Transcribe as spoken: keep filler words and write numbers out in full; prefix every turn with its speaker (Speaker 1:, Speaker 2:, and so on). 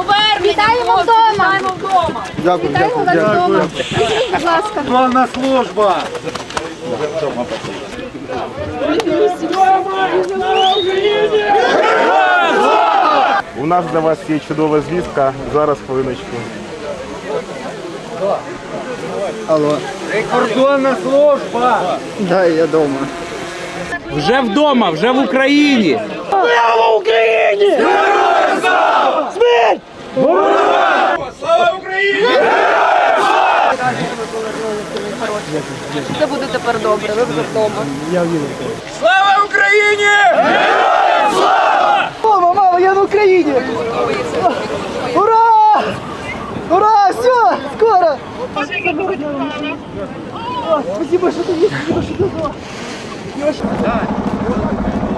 Speaker 1: Вітаємо вдома!
Speaker 2: Дякую,
Speaker 1: Вітаємо вас вдома! Скажіть, будь ласка.
Speaker 2: Славна служба!
Speaker 3: У нас для вас є чудова звістка. Зараз, хвилиночку.
Speaker 2: Алло. Прикордонна служба! Да, я дома.
Speaker 4: Вже вдома, вже в Україні.
Speaker 2: Слава Україні! Героям слава! Смерть! Слава Україні!
Speaker 1: Це буде тепер добре, ви вже вдома.
Speaker 2: Слава Україні! Героям слава!
Speaker 5: Мама, мама, я на Україні! Ура! Ура! Все! Скоро! О, спасибо, что ты есть, спасибо, что ты была.